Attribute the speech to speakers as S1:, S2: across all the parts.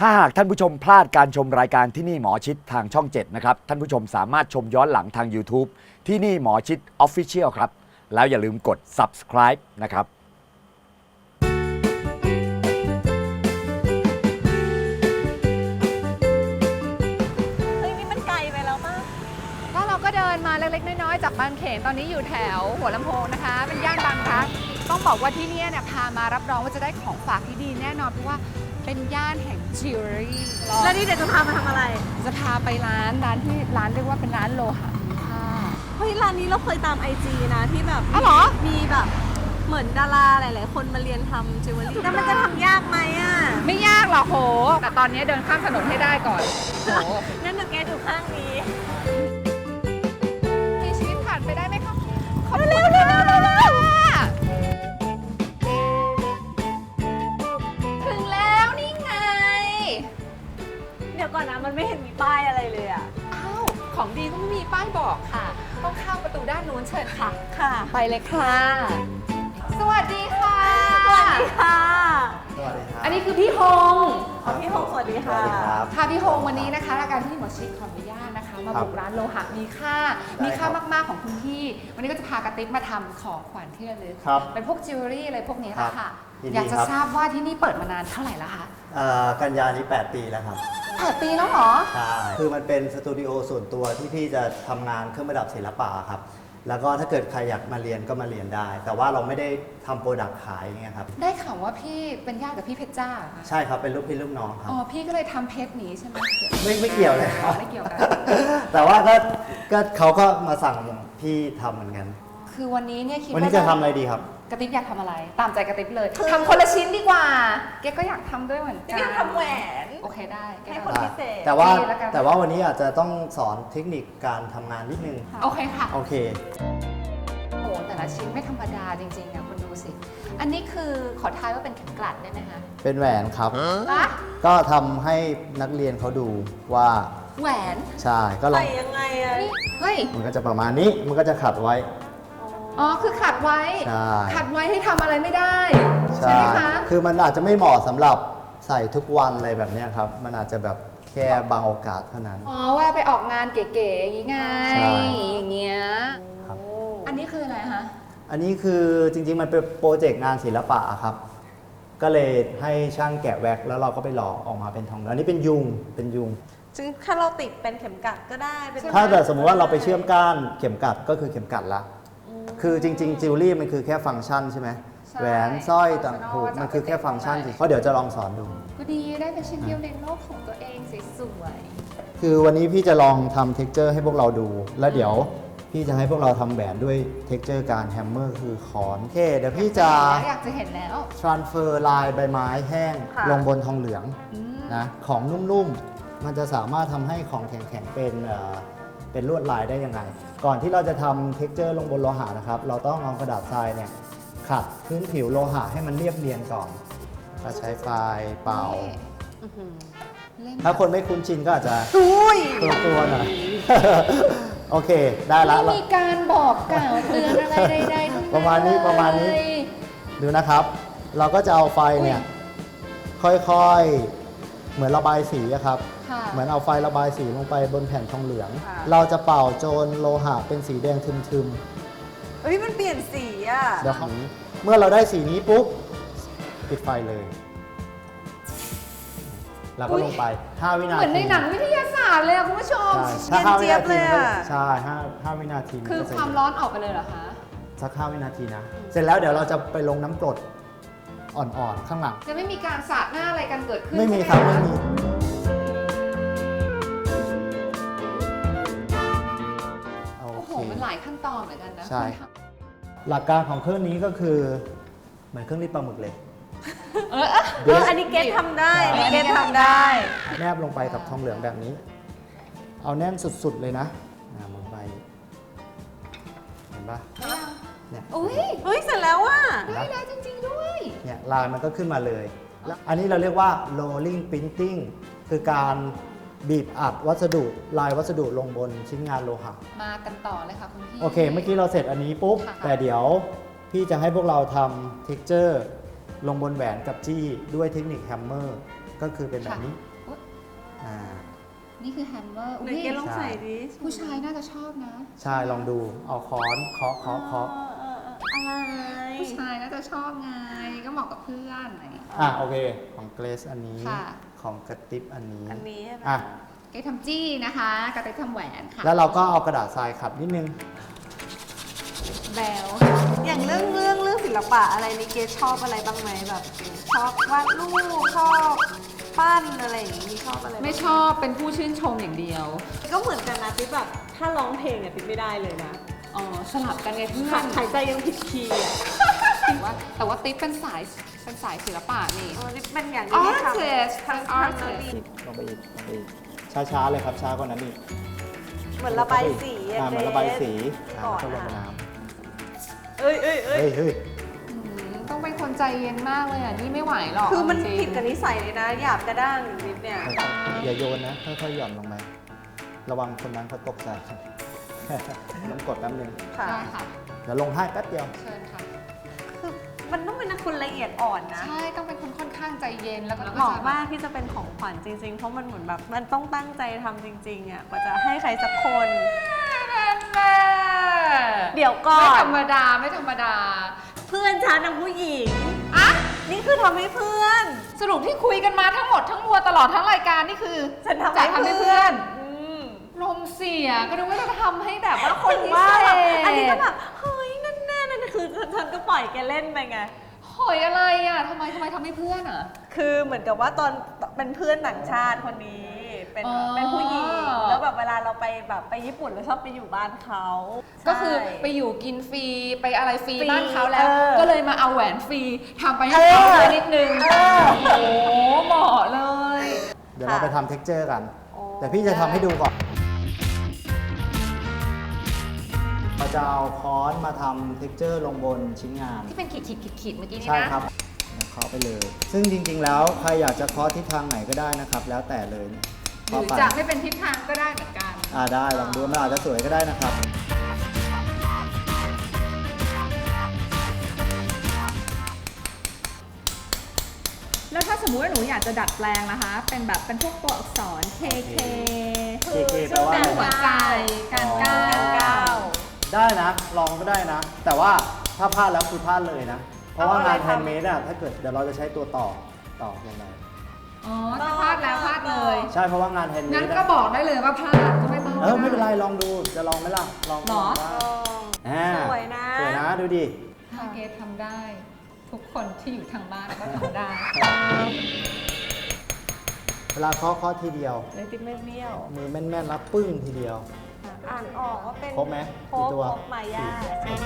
S1: ถ้าหากท่านผู้ชมพลาดการชมรายการที่นี่หมอชิดทางช่อง 7 นะครับ ท่านผู้ชมสามารถชมย้อนหลังทาง YouTube ที่นี่หมอชิด Official ครับ แล้วอย่าลืมกด subscribe นะครับ
S2: เฮ้ยนี่มันไกลไปแล้วป่ะ
S3: ก็เราก็เดินมาเล็กๆน้อยๆจากบางเขนตอนนี้อยู่แถวหัวลำโพงนะคะ เป็นย่านบางพลัดต้องบอกว่าที่นี่เนี่ยพามารับรองว่าจะได้ของฝากที่ดีแน่นอนเพราะว่าเป็นย่านแห่งจิวเวลรี่
S2: แล้วนี่เดี๋ยวจะพามาทำอะไร
S3: จะพาไปร้านเรียกว่าเป็นร้านโลหะมีค่า
S2: เฮ้ยร้านนี้เราเคยตามไอจีนะที่แบบ
S3: อ๋อเหรอ
S2: มีแบบเหมือนดาราหลายๆคนมาเรียนทำจิวเวลรี่แล้วมันจะทำยากไหมอ่ะ
S3: ไม่ยากหรอกโหแต่ตอนนี้เดินข้ามถนนให้ได้ก่อนโห
S2: งั้นเดี๋ยวแกดูข้างนี้
S3: มีชีวิตผ่านไปได้ไหมคะขอบคุณค่ะถึงแล้วนี่ไง
S2: เดี๋ยวก่อนนะมันไม่เห็นมีป้ายอะไรเลยอ่ะ
S3: อ้าวของดีต้องมีป้ายบอกค่ะ ต้องเข้าประตูด้านนู้นเชิญค่ะ
S2: ค่ะ
S3: ไปเลยค่ะ สวัสดีค่ะ
S2: สวัสดีค่ะ
S4: สวัสดีครับ
S3: อันนี้คือพี่ฮง
S2: ขอพี่หงสวัสดี
S4: ส
S2: ค่ะ
S4: วัสดีครับ
S3: ค่ะพี่ฮงวันนี้นะคะรายการที่หมอชิดขออนุญาตนะคะ มาบุกร้านโลหะมีค่า มีค่ามากๆของคุณพี่ วันนี้ก็จะพากระติ๊บมาทำของขวัญที่ระลึก
S4: ครับ
S3: เป็นพวกจิวเวลรี่อะไรพวกนี้แหละค่ะ
S4: ยินดี
S3: อยากจะ
S4: ครับ
S3: ทราบว่าที่นี่เปิดมานานเท่าไหร่แล้วคะ
S4: กันยานี้ 8 ปีแล้วครับ
S3: 8 ปีแล้วเหรอ
S4: ใช่ คือมันเป็นสตูดิโอส่วนตัวที่พี่จะทำงานเครื่องประดับศิลปะครับ แล้วก็ถ้าเกิดใครอยากมาเรียนก็มาเรียนได้ แต่ว่าเราไม่ได้ทำโปรดักต์ขายอย่างเงี้ยครับ
S3: ได้ข่าวว่าพี่เป็นญาติกับพี่เพชรจ้าเหรอคะ
S4: ใช่ครับ เป็นลูกพี่ลูกน้องครับ
S3: อ๋อพี่ก็เลยทำเพชรหนีใช่ไหม
S4: ไม่เกี่ยวเลยครับ
S3: ไม่เกี่ยวกัน
S4: แต่ว่าก็เขาก็มาสั่งพี่ทำเหมือนกัน
S3: คือวันนี้เนี่ยคิด
S4: วันนี้จะทำอะไรดีครับ
S3: กระติบอยากทำอะไร ตามใจกระติบเลยทำคนละชิ้นดีกว่าแกก็อยากทำด้วยเหมือนกั
S2: นี่ทำแหวน
S3: โอเคได้แก
S2: ให้
S3: ทำ
S2: คน พิเศษ
S4: แต่ว่า
S3: ดีแล้วกัน
S4: แต่ว่าวันนี้อาจจะต้องสอนเทคนิคการทำงานนิดนึง
S3: โอเคค่ะ
S4: โอเค
S3: โอ้โหแต่ละชิ้นไม่ธรรมดาจริงๆอ่ะคุณดูสิ อันนี้คือขอทายว่าเป็นเข็มกลัดได้ไหมคะ
S4: เป็นแหวนครับ
S3: อะ
S4: ก็ทำให้นักเรียนเขาดูว่า
S3: แหวน
S4: ใช่ ก็ลอ
S2: ใส่
S4: ง
S2: ยังไงอ่ะ
S3: นี่เฮ้ย
S4: มันก็จะประมาณนี้ มันก็จะขัดไว้
S3: อ๋อคือขัดไว้
S4: ใช่
S3: ขัดไว้ให้ทำอะไรไม่ได้
S4: ใช่
S3: ไหมคะ
S4: คือมันอาจจะไม่เหมาะสำหรับใส่ทุกวันอะไรแบบเนี้ยครับ มันอาจจะแบบแค่บางโอกาสเท่านั้น
S3: อ๋อว่าไปออกงานเก๋ๆอย่างงี้ไง
S4: ใช่
S3: อย่างเงี้ย
S4: ครับ
S3: อันนี้คืออะไรคะ
S4: อันนี้คือจริงๆ มันเป็นโปรเจกต์งานศิลปะครับ ก็เลยให้ช่างแกะแว็กซ์แล้วเราก็ไปหล่อออกมาเป็นทอง อันนี้เป็นยุง เป็นยุง
S2: ซึ่งถ้าเราติดเป็นเข็มกลัดก็ได้เป็น
S4: ถ้าเกิดสมมติว่าเราไปเชื่อมก้านเข็มกลัดก็คือเข็มกลัดละ คือจริงๆจิวเวลรี่มันคือแค่ฟังก์ชันใช่ไหม
S3: ใช่
S4: แหวนสร้อยต่าง
S3: ฟังก์ชัน
S4: หู
S3: ว่าจะ
S4: มันคือแค่ฟังก์ชัน
S3: เอาไป
S4: สิเพราะเดี๋ยวจะลองสอนดู
S3: ก็ดีได้เป็นชิ้นเดียวในโลกของตัวเองสวย
S4: คือวันนี้พี่จะลองทำเท็กเจอร์ให้พวกเราดู แล้วเดี๋ยวพี่จะให้พวกเราทำแหวนด้วยเท็กเจอร์การแฮมเมอร์คือขอนโอเค เดี๋ยวพี่จะ
S3: อยากจะเห็นแล้ว
S4: transfer ลายใบไม้แห้ง
S2: ค่ะ
S4: ลงบนทองเหลือง
S3: อืม
S4: นะของนุ่มๆ มันจะสามารถทำให้ของแข็งๆเป็นลวดลายได้ยังไง ก่อนที่เราจะทำเท็กเจอร์ลงบนโลหะนะครับ เราต้องเอากระดาษทรายเนี่ยขัดพื้นผิวโลหะให้มันเรียบเนียนก่อนก็ใช้ไฟเป่า
S3: อื้อหือเล่น
S4: ถ้าคนไม่คุ้นชินก็อาจจะ
S2: อุ้ย
S4: ตัวๆหน่อย โอเค ได้ละ
S3: ไม่มีการบอกกล่าวเตือนอะไรใดๆทั้งนั้น
S4: ประมาณนี้ประมาณนี้
S3: เลย
S4: ดูนะครับ เราก็จะเอาไฟเนี่ย ค่อยๆ เหมือนระบายสีอะครับ
S3: ค่ะ
S4: เหมือนเอาไฟระบายสีลงไปบนแผ่นทองเหลือง
S3: ค่ะ
S4: เราจะเป่าโจนโลหะเป็นสีแดงทึม
S2: เฮ้ยมันเปลี่ยนสีอ่ะ
S4: ๆเดี๋ยวของนี้เมื่อเราได้สีนี้ปุ๊บ ปิดไฟเลย แล้วก็ลงไป 5 วินา
S3: เหมื
S4: ที
S3: อนในหนังวิทยาศาสตร์เลยอะคุณผู้ชม
S4: ใช่ถ้า5
S2: เนี
S4: วิ
S2: ยน
S4: นา
S2: เจี๊
S4: ที
S2: ยบ
S4: มันก็
S2: เลยอะ
S4: ใช่5วินาทีน
S3: คือ
S4: ก็เสร็จ
S3: ความร้อนออกไปเลยเหรอคะ
S4: สัก5 วินาทีนะ เสร็จแล้วเดี๋ยวเราจะไปลงน้ำกรดอ่อนๆ ข้างหลัง
S3: จะไม่มีการสาดหน้าอะไรกันเกิดขึ้น
S4: ไม่มี
S3: ใช่ห
S4: ครับไม่
S3: ะ
S4: มี โอ
S3: โอ้โห
S4: เค
S3: มันหลายขั้นตอนเหมือนกันนะ
S4: ใช่
S3: คุณท
S4: หลักการของเครื่องนี้ก็คือ เหมือนเครื่องรีดปลาหมึกเลย
S2: อันนี้เกตทำได้อันนี้เกตทำได้
S4: แนบลงไปกับทองเหลืองแบบนี้ เอาแน่นสุดๆเลยนะลงไป เห็นปะเนี่ย
S3: อุ้ย
S2: เฮ้ยเสร็จแล้วอ่ะ
S3: ได้แล้วจริงๆด้วย
S4: เนี่ยลายมันก็ขึ้นมาเลยแล้วอันนี้เราเรียกว่า rolling printing คือการบีบอัดวัสดุลายวัสดุลงบนชิ้นงานโลหะ
S3: มากันต่อเลยค่ะคุณพี่
S4: โอเค เมื่อกี้เราเสร็จอันนี้ปุ๊บ
S3: ค่ะ
S4: แต่เดี๋ยวพี่จะให้พวกเราทำ texture ลงบนแหวนกับจี้ด้วยเทคนิคแฮมเมอร์ก็คือเป็นแบบนี้อ่า
S3: นี่คือแฮมเมอร์
S2: ไหนเกลองใส่ดิ
S3: ผู้ชายน่าจะชอบนะ
S4: ใช่ลองดูเอาค้อนเคาะ
S2: อะไร
S3: ผู้ชายน่าจะชอบไงก็เหมาะกับเพื่อนไหน
S4: โอเคของเกรซอันนี้
S3: ค่ะ
S4: ของกระติบอันนี้
S2: อันนี้ใช่ไหม
S4: อ่ะ
S3: เกทำจี้นะคะกระติกทำแหวนค่ะ
S4: แล้วเราก็เอากระดาษทรายขัดนิดนึง
S3: แบล
S2: อย่างเรื่องศิลปะอะไรในเกสชอบอะไรบ้างไหมแบบชอบวาดรูปชอบปั้นอะไรอย่างงี้ชอบอะไรบ้าง
S3: ไม่ชอบเป็นผู้ชื่นชมอย่างเดียว
S2: ก็เหมือนกันนะติ๊บแบบถ้าร้องเพลงเนี่ยติ๊บไม่ได้เลยนะ
S3: อ๋อสลับกันไงเพื่อน
S2: หายใจยังผิดคีย์อ่ะ
S3: แต่ว่าติ๊บเป็นสายศิลปะนี่
S2: ติ๊บเป็นอย่างที่ทำ
S3: Artist
S2: ทำ
S3: Artist
S2: ดี
S4: ลงไปอีกช้าๆเลยครับช้ากว่านั้นอีก
S2: เหมือนระบายสี
S4: เหมือนระบายสี
S2: ก่อน
S4: แล้วก็ลง
S2: อะ
S4: น้
S2: เอ้ย
S4: ำเฮ้ย
S3: ต้องเป็นคนใจเย็นมากเลยอ่ะ นี่ไม่ไหวหรอก
S2: คือมัน
S3: จริง
S2: ผิดกับนิสัยเลยนะหยาบกระด้างนิดเนี่ย
S4: อย่าโยนนะค่อยๆหย่อนลงไประวังคนนั้นเขาตกใจ ต้องกดแป๊บนึง
S2: ค่ะ
S3: ได้ค่ะ
S4: เดี๋ยวลงให้แป๊บเดียว
S3: เชิญค่ะ
S2: คือมันต้องเป็นคนละเอียดอ่อนนะ
S3: ใช่ต้องเป็นคนค่อนข้างใจเย็นแล้วก็
S2: เหมาะมากที่จะเป็นของขวัญจริงๆ เพราะมันเหมือนแบบมันต้องตั้งใจทำจริงๆอ่ะกว่าจะให้ใครสักคน
S3: แม่
S2: เดี๋ยวก่อ
S3: ไม่
S2: น
S3: ธรรมดาไม่ธรรมดา
S2: เพื่อนฉันนะผู้หญิง
S3: อะ
S2: นี่คือทำให้เพื่อน
S3: สรุปที่คุยกันมาทั้งหมดทั้งมวลตลอดทั้งรายการนี่คือ
S2: ฉันทำ
S3: จะ
S2: ให้
S3: ทำให้
S2: เพื่
S3: เพื่
S2: อ
S3: อน
S2: น
S3: ลมเสียก็นึกว่าจะทำให้แบบว่าคน
S2: ถึง
S3: พิ
S2: ว่า
S3: เศ
S2: แบบ
S3: ษ
S2: อันนี้ก็แบบเฮ้ยนั่นแน่นั่นคือฉันก็ปล่อยแกเล่นไปไง
S3: หอยอะไรอ่ะทำไมทำให้เพื่อนอ่ะ
S2: คือเหมือนกับว่าตอนเป็นเพื่อนต่างชาติคนนี้ เป็น
S3: อ๋อ
S2: เป็นผู้หญิงแล้วแบบเวลาเราไปแบบไปญี่ปุ่นเราชอบไปอยู่บ้านเขา
S3: ก็คือ
S2: ใช่
S3: ไปอยู่กินฟรีไปอะไรฟรี
S2: ฟรี
S3: บ้านเขาแล้ว
S2: เออ
S3: ก็เลยมาเอาแหวนฟรีทำไปให้เขาด้วยนิดนึง
S2: เออ
S3: โอ้โหเหมาะเลย
S4: เดี๋ยวเราไปทำเท็กเจอร์กัน
S2: โอ้
S4: แต่พี่จะทำให้ดูก่อน เราจะเอาค้อนมาทำเท็กเจอร์ลงบนชิ้นงาน
S3: ที่เป็นขีดเมื่อกี้นี้นะ
S4: ใช่ครับเคาะไปเลย ซึ่งจริงๆ แล้วใครอยากจะเคาะทิศทางไหนก็ได้นะครับ แล้วแต่เลย
S3: ห
S4: เคาะ
S3: รือ
S4: ไป
S3: จะไม่เป็นทิศทางก็ได้เหมือนกัน
S4: ได้ลองดูมันอาจจะสวยก็ได้นะครับ
S3: แล้วถ้าสมมุติว่าหนูอยากจะดัดแปลงนะคะ เป็นแบบเป็นพวกตัวอักษร KK
S4: KK แปลว่า
S3: แปล
S4: อะไร
S3: หัวใจการก้าว
S2: ก้าว
S4: ได้นะ ลองก็ได้นะ แต่ว่าถ้าพลาดแล้วคือพลาดเลยนะ เพราะว่า
S2: เอาอะไร
S4: งานแฮ
S2: ทำ
S4: นด์เมดอะถ้าเกิดเดี๋ยวเราจะใช้ตัวต่อลงไป
S3: อ๋อถ้าพลาดแล้วพลาดเลย
S4: ใช่เพราะว่างานแฮนด์เม
S3: งั้น
S4: ด
S3: ก็บอกได้เลยว่าพลาดก็ไม่ต้อง
S4: ไม่เป็นไรลองดูจะลองไหมล่ะลอง
S3: หรอ
S4: ได้
S2: อ๋อ สวยนะ
S4: สวยนะดูดิ
S3: ถ้าเกททำได้ ทุกคนที่อยู่ทางบ้านก็ทำได้
S4: เวลาเคาะทีเดียว
S2: เลยติ๊บไม่เบี้ยว
S4: มือแม่นๆแล้วปึ้งทีเดียว
S2: อ่านออกว่าเป็น
S4: ครบไหม
S2: คร
S4: กี่
S2: บ
S4: ตัว
S2: ครบมายา
S4: โอเค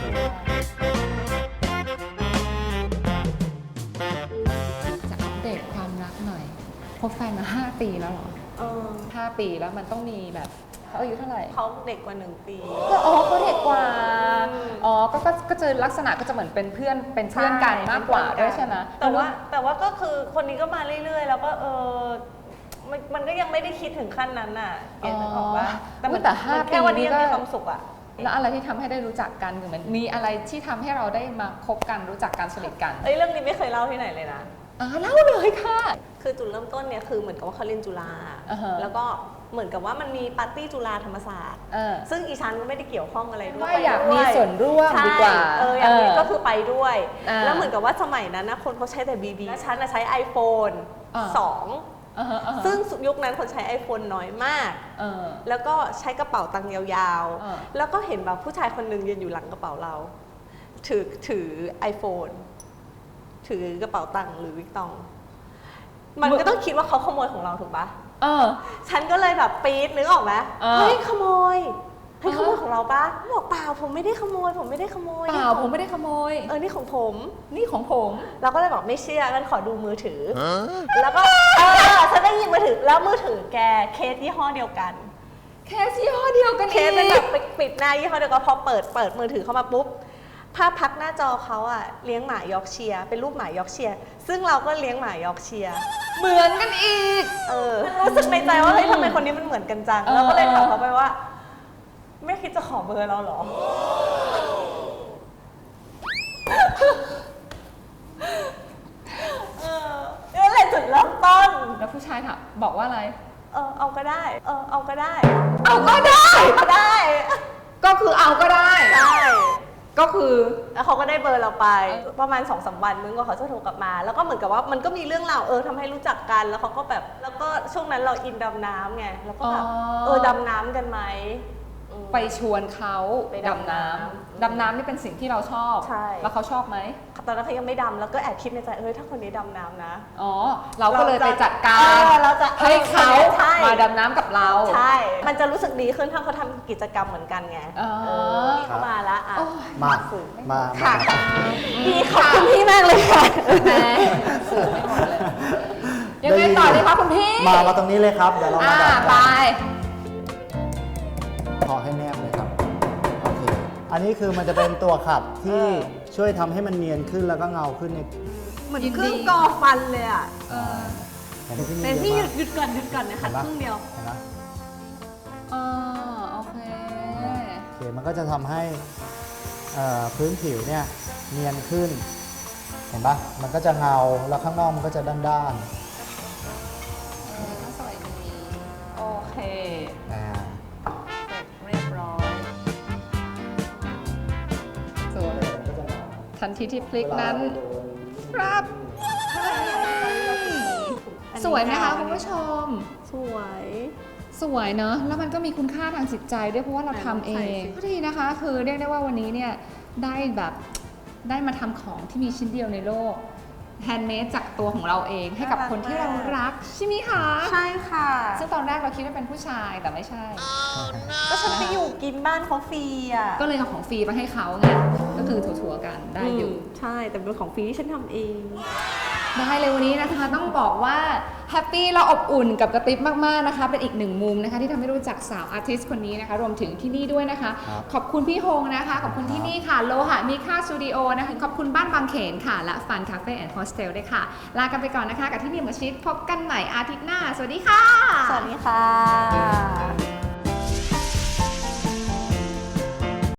S3: จะอัปเดตความรักหน่อยคบแฟนมา 5 ปีแล้วเหรอ
S2: เออ
S3: 5 ปีแล้วมันต้องมีแบบเขาอายุเท่าไหร่
S2: เขาเด็กกว่า1 ปี
S3: ก็อ๋อเขาเด็กกว่า
S2: อืม
S3: อ๋อก็จะลักษณะก็จะเหมือนเป็นเพื่อนกันมากกว่าด้วยใช่ไหม
S2: แต่ว่าก็คือคนนี้ก็มาเรื่อยๆ แล้วก็มันก็ยังไม่ได้คิดถึงขั้นนั้นน่ะเกณฑ์นึกออกว่า
S3: อุ๊ยแต่5
S2: มันแค่วันนี้
S3: ปี
S2: ยัง
S3: นี่ก็
S2: มีความสุขอ่ะ
S3: แล้วอะไรที่ทำให้ได้รู้จักกันหรือมันมีอะไรที่ทำให้เราได้มาคบกันรู้จักกันสนิทกัน
S2: เรื่องนี้ไม่เคยเล่าที่ไหนเลยนะ
S3: เล่าเลยค่ะ
S2: คือจุดเริ่มต้นเนี่ยคือเหมือนกับว่าเขาเรียนจุฬา
S3: อ่าฮะ
S2: แล้วก็เหมือนกับว่ามันมีปาร์ตี้จุฬาธรรมศาสตร์ ซึ่งอีฉันก็ไม่ได้เกี่ยวข้องอะไรด้วย
S3: ว่าอยากมี
S2: ไปด้ว
S3: ส่วนร่วม
S2: ใช่
S3: ดีกว่า
S2: อย่างนี้ก็คือไปด้วย แล้วเหมือน
S3: อ่า
S2: กับว่าสมัยนั้นนะคนเขาใช้แต่บีบีแล้วฉันใช้ iPhone
S3: อ่า
S2: 2 ซึ่งยุคนั้นคนใช้ iPhone น้อยมาก แล้วก็ใช้กระเป๋าตังค์ยาวๆ แล้วก็เห็นแบบผู้ชายคนหนึ่งยืนอยู่หลังกระเป๋าเรา ถือ iPhone ถือกระเป๋าตังค์หรือวิกตอง มันก็ต้องคิดว่าเขาขโมยของเราถูกปะฉันก็เลยแบบปี๊ดนึกออกไหมเฮ้ยขโมยเฮ้ยขโมยของเราปะบอกเปล่าผมไม่ได้ขโมยผมไม่ได้ขโมย
S3: เปล่าผมไม่ได้ขโมย
S2: นี่ของผม
S3: นี่ของผม
S2: เราก็เลยบอกไม่เชื่องั้นขอดูมือถือ แล้วก็ฉันได้หยิบมือถือแล้วมือถือแกเคสยี่ห้อเดียวกัน
S3: แค่ยี่ห้อเดียวกัน
S2: เคสเป็นแบบปิดหน้ายี่ห้อเดียวกันพอเปิดมือถือเข้ามาปุ๊บภาพพักหน้าจอเขาอะเลี้ยงหมายอร์กเชียร์เป็นรูปหมายอร์กเชียร์ซึ่งเราก็เลี้ยงหมายอร์กเชียร์
S3: เหมือนกันอีก
S2: รู้สึกในใจว่าเฮ้ยทำไมคนนี้มันเหมือนกันจังเราก็เลยถามเขาไปว่า ไม่คิดจะขอเบอร์เราเหรอนั่นแหละจุดเริ่มต้น
S3: แล้วผู้ชายถามบอกว่าอะไร
S2: เอาก็ได้เอาก็ได้
S3: เอาก็ได้
S2: ก็ได้
S3: ก็คือเอาก็ได้
S2: ใช่
S3: ก็คือ
S2: แล้วเขาก็ได้เบอร์เราไปประมาณ 2-3 วันมึงก็เขาจะโทรกลับมาแล้วก็เหมือนกับว่ามันก็มีเรื่องราวทำให้รู้จักกันแล้วเขาก็แบบแล้วก็ช่วงนั้นเราอินดำน้ำไงแล้วก็แบบดำน้ำกันไหม
S3: ไปชวนเขา
S2: ไป
S3: ดำ
S2: ดำน้
S3: น้ำดำน้ำนี่เป็นสิ่งที่เราชอบ
S2: ใช่
S3: แล้วเขาชอบไหม
S2: ตอนนั้นเขายังไม่ดำแล้วก็แอบคิดในใจถ้าคนนี้ดำน้ำนะ
S3: อ๋อเราก็เลยไปจัดการ
S2: เราจะ
S3: ให้เขา
S2: ใช่
S3: มาดำน้ำกับเรา
S2: ใช่มันจะรู้สึกดีขึ้นถ้าเขาทำกิจกรรมเหมือนกันไง
S3: อ๋อ
S2: พี่เขามาละอ่ะ
S4: มา
S3: ค่ะ
S2: ดีขอบคุณพี่มากเลยค่ะ
S3: แหมสื่อไม่หมดเลยยังไงต่อเลยคะคุณพี่
S4: มาตรงนี้เลยครับเดี๋ยวเรามาดับ
S3: ไป
S4: ขอให้แนบเลยครับโอเคอันนี้คือมันจะเป็นตัวขัดที่ช่วยทำให้มันเนียนขึ้นแล้วก็เงาขึ้นใน
S2: เหมือนเครื่องกอฟันเลยอ่ะ
S4: เห็นไหม
S2: แต่พี่
S4: เยอะมาก
S2: หยุดก่อนนะขัดครึ่งเดียว
S4: เห็นไหม
S3: โอเค
S4: โอเคมันก็จะทำให้พื้นผิวเนี่ยเนียนขึ้น เห็นปะมันก็จะเงาแล้วข้างนอกมันก็จะด้าน
S3: สวยดีโอเค
S4: ๆอ่า
S3: เสร็จเรียบร้อยสวยทันทีที่พลิกนั้นครับสวยไหมคะคุณผู้ชม
S2: สวย
S3: สวยเนอะแล้วมันก็มีคุณค่าทางจิตใจด้วยเพราะว่าเราทำเองก็ดีนะคะ คือเรียกได้ว่าวันนี้เนี่ยได้มาทำของที่มีชิ้นเดียวในโลกแฮนด์เมดจากตัวของเราเองให้กับคนที่เรารักใช่ไหมคะ
S2: ใช่ค่ะ
S3: ซึ่งตอนแรกเราคิดว่าเป็นผู้ชายแต่ไม่ใช่
S2: ก็ฉันไปอยู่กินบ้านเขาฟรีอ่ะ
S3: ก็เลยเอาของฟรีมาให้เขาไงก็คือถั่วๆกันได้อยู่
S2: ใช่แต่เป็นของฟรีที่ฉันทำเอง
S3: ได้เลยวันนี้นะคะต้องบอกว่าแฮปปี้และอบอุ่นกับกระติบมากๆนะคะเป็นอีกหนึ่งมุมนะคะที่ทำให้รู้จักสาวอาร์ติสต์คนนี้นะคะรวมถึงที่นี่ด้วยนะคะ ขอบคุณพี่ฮงนะคะขอบคุณที่นี่ค่ะโลหะมีค่าสตูดิโอนะคะขอบคุณบ้านบางเขนค่ะและฟันคาเฟ่แอนด์โฮสเทลด้วยค่ะลากันไปก่อนนะคะกับที่นี่หมอชิดพบกันใหม่อาทิตย์หน้าสวัสดีค่ะ
S2: สวัสดีค่ะ